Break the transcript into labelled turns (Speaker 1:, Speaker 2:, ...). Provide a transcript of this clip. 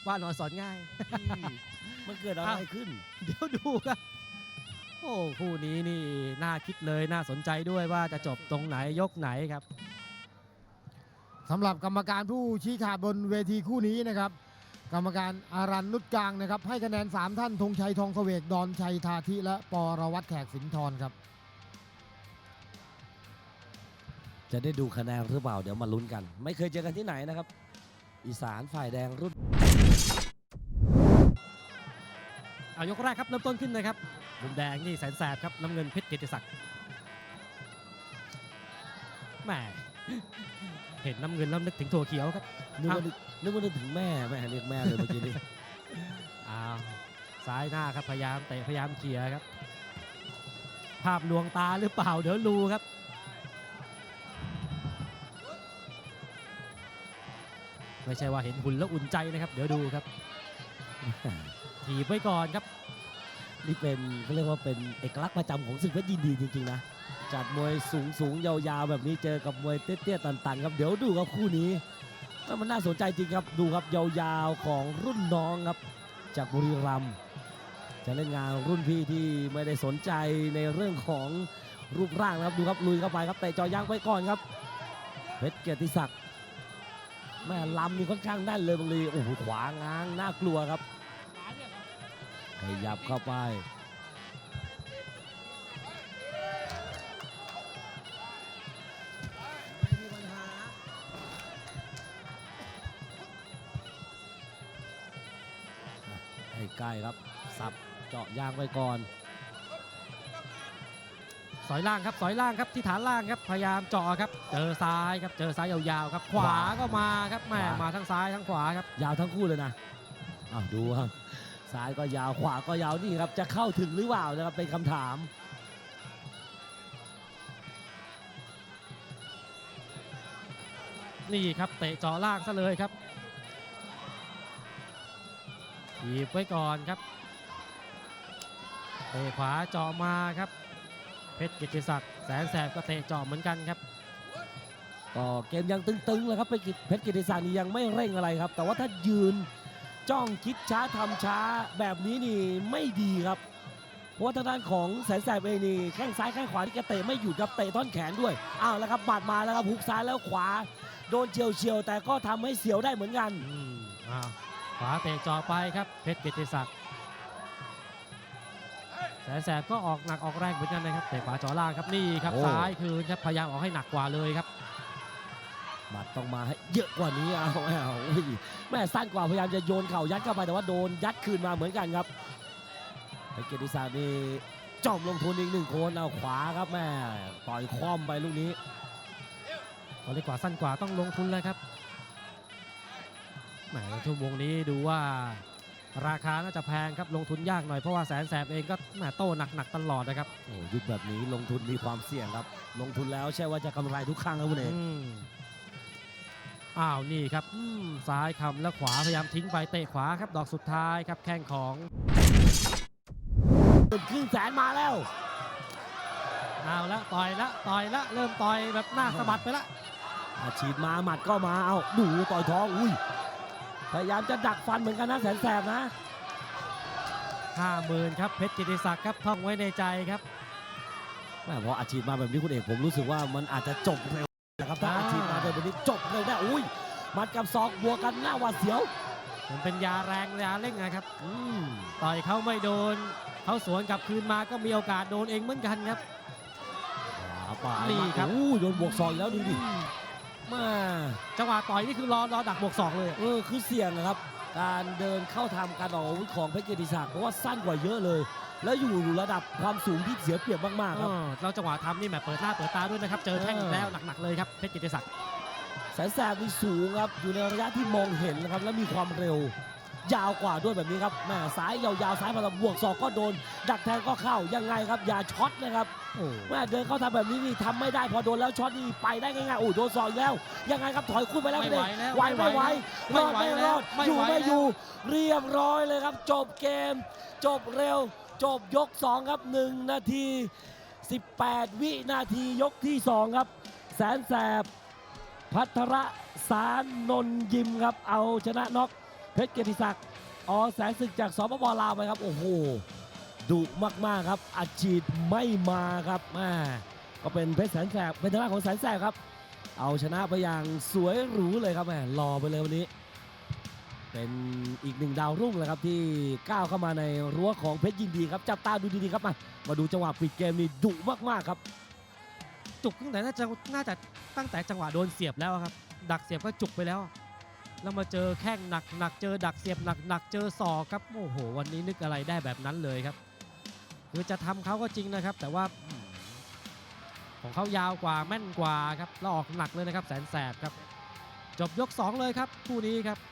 Speaker 1: ว่านอนสอนง่าย
Speaker 2: มันเกิดอะไรขึ้น
Speaker 1: เดี๋ยวดูครับโอ้คู่นี้นี่น่าคิดเลยน่าสนใจด้วยว่าจะจบตรงไหนยกไหนครับ
Speaker 3: สำหรับกรรมการผู้ชี้ขาดบนเวทีคู่นี้นะครับกรรมการอารันนุชกลางนะครับให้คะแนน3ท่านธงชัยทองเสวกดอนชัยทาธิและปรวัตรแขกสินทรครับ
Speaker 2: จะได้ดูคะแนนหรือเปล่าเดี๋ยวมาลุ้นกัน ไม่เคยเจอกันที่ไหนนะครับ อีสานฝ่ายแดงรุ่น
Speaker 1: เอายกแรกครับเริ่มต้นขึ้นนะครับมุมแดงนี่แสนแสบครับน้ำเงินเพชรเกียรติศักดิ์แหมเห็นน้ำเงินแล้วนึกถึงถั่วเขียวครับ
Speaker 2: นึกว่านึกถึงแม่เรียกแม่เลยเมื่อกี้นี้
Speaker 1: อ้าวซ้ายหน้าครับพยายามเตะพยายามเขี่ยครับภาพลวงตาหรือเปล่าเดี๋ยวดูครับไม่ใช่ว่าเห็นหุ่นแล้วอุ่นใจนะครับเดี๋ยวดูครับถีบไว้ก่อนครับ
Speaker 2: นี่เป็นเขาเรียกว่าเป็นเอกลักษณ์ประจำของศึกเพชรยินดีจริงๆนะจัดมวยสูงยาวๆแบบนี้เจอกับมวยเตี้ยๆตันๆครับเดี๋ยวดูครับคู่นี้มันน่าสนใจจริงครับดูครับยาวๆของรุ่นน้องครับจากบุรีรัมย์จะเล่นงานรุ่นพี่ที่ไม่ได้สนใจในเรื่องของรูปร่างนะครับดูครับลุยเข้าไปครับเตะจ่อยางไปก่อนครับเพชรเกียรติศักดิ์แม่ลำนี่ค่อนข้างแน่นเลยบางทีโอ้โหขวาง้างน่ากลัวครับขยับเข้าไปใกล้ครับสับเจาะยางไปก่อน
Speaker 1: สอยล่างครับสอยล่างครับที่ฐานล่างครับพยายามเจาะครับเจอซ้ายครับเจอซ้ายยาวๆครับขวาก็มาครับแม่มาทั้งซ้ายทั้งขวาครับ
Speaker 2: ยาวทั้งคู่เลยนะดูครับซ้ายก็ยาวขวาก็ยาวนี่ครับจะเข้าถึงหรือเปล่านะครับเป็นคำถาม
Speaker 1: นี่ครับเตะเจาะล่างซะเลยครับหยิบไว้ก่อนครับเตะขวาเจาะมาครับเพชรกิตติศักดิ์แสนแสบก็เตะเจาะเหมือนกันครับ
Speaker 2: ก็เกมยังตึงๆเลยครับเพชรกิติศักดิ์นี่ยังไม่เร่งอะไรครับแต่ว่าถ้ายืนจ้องคิดช้าทำช้าแบบนี้นี่ไม่ดีครับเพราะว่าทางด้านของแสนแสบเองนี่แข้งซ้ายแข้งขวาที่แกเตะไม่หยุดครับเตะท่อนแขนด้วยแล้วครับบาดมาแล้วครับหุกซ้ายแล้วขวาโดนเฉียวแต่ก็ทำให้เสียวได้เหมือนกัน
Speaker 1: ขวาเตะเจาะไปครับเพชรกิตติศักดิ์แสนแสบก็ออกหนักออกแรงเหมือนกันนะครับเตะขวาเจาะล่างครับนี่ครับซ้ายคืนครับพยายามออกให้หนักกว่าเลยครับ
Speaker 2: หมัดต้องมาให้เยอะกว่านี้แม่สั้นกว่าพยายามจะโยนเข่ายัดเข้าไปแต่ว่าโดนยัดคืนมาเหมือนกันครับเพชรกิติศักดิ์นี่จอมลงทุนอีกหนึ่งคนเอาขวาครับแม่ต่อยคว่ำไปลูกนี้
Speaker 1: พอเล็กกว่าสั้นกว่าต้องลงทุนเลยครับแหมชั่วโมงนี้ดูว่าราคาน่าจะแพงครับลงทุนยากหน่อยเพราะว่าแสนแสบเองก็แหมโต้หนักตลอดนะครับ
Speaker 2: โอ้ยุคแบบนี้ลงทุนมีความเสี่ยงครับลงทุนแล้วใช่ว่าจะกำไรทุกครั้งครับคุณเอก
Speaker 1: นี่ครับซ้ายคำแล้วขวาพยายามทิ้งไปเตะขวาครับดอกสุดท้ายครับแข้งของ
Speaker 2: ครึ่งแสนมาแล้ว
Speaker 1: เอาละต่อยละเริ่มต่อยแบบหน้าสะบัดไปละ
Speaker 2: ฉีดมาหมัดก็มาดูต่อยท้องพยายามจะดักฟันเหมือนกันนะแสนแสบนะ
Speaker 1: 50,000ครับเพชรกิติศักดิ์ครับท่องไว้ในใจครับ
Speaker 2: พออาชีพมาแบบนี้คุณเอกผมรู้สึกว่ามันอาจจะจบเร็วนะครับถ้าอาชีพมาแบบนี้จบเลยนะมัดกับศอกบวกกันหน้าหวาดเสียว
Speaker 1: มันเป็นยาแรงยาเร่งนะครับต่อยเขาไม่โดนเขาสวนกลับคืนมาก็มีโอกาสโดนเองเหมือนกันครับ
Speaker 2: นี่ครับโดนบวกศอกแล้วดูดิมา
Speaker 1: จังหวะต่อยนี่คือรอดักบวกศอกเลย
Speaker 2: คือเสี่ยงนะครับการเดินเข้าทำการออกอาวุธของเพชรกิติศักดิ์เพราะว่าสั้นกว่าเยอะเลยแล้วอยู่ระดับความสูงที่เสียเปรียบมากๆครับ
Speaker 1: แล้วจังหวะทำนี่แหมเปิดหน้าเปิดตาด้วยนะครับเจอแท่งอีกแล้วหนักๆเลยครับเพชรกิติศักดิ์
Speaker 2: แสนแสบมีสูงครับอยู่ในระยะที่มองเห็นนะครับและมีความเร็วยาวกว่าด้วยแบบนี้ครับแม่ซ้ายยาวๆซ้ายมาบวกศอกก็โดนดักแทงก็เข้ายังไงครับอย่าช็อตนะครับแม่เดินเข้าทำแบบนี้นี่ทำไม่ได้พอโดนแล้วช็อตนี่ไปได้ง่ายๆโดนศอกแล้วยังไงครับถอยขึ้นไปแล้วไม่ไหวไม่ไหวรอดไม่รอดอยู่ไม่อยู่เรียบร้อยเลยครับจบเกมจบเร็วจบยก2ครับ1 นาที 18 วินาทียกที่2ครับแสนแสบพัทรสารนนยิมครับเอาชนะน็อกเพชรเกียรติศักดิ์อแสนศึกจากสปปลาวไปครับโอ้โหดุมากๆครับอัดฉีดไม่มาครับก็เป็นเพชรแสนแสบเป็นทางด้านของแสนแสบครับเอาชนะไปอย่างสวยหรูเลยครับรอไปเลยวันนี้เป็นอีกหนึ่งดาวรุ่งเลยครับที่ก้าวเข้ามาในรั้วของเพชรยินดีครับจับตาดูดีๆครับมาดูจังหวะปิดเกมนี่ดุมากๆครับ
Speaker 1: จุกตั้งแต่น่าจะตั้งแต่จังหวะโดนเสียบแล้วครับดักเสียบก็จุกไปแล้วแล้วมาเจอแข้งหนักเจอดักเสียบหนักเจอศอกครับโอ้โหวันนี้นึกอะไรได้แบบนั้นเลยครับคือจะทำเขาก็จริงนะครับแต่ว่าของเขายาวกว่าแม่นกว่าครับแล้วออกหนักเลยนะครับแสนแสบครับจบยก 2เลยครับคู่นี้ครับ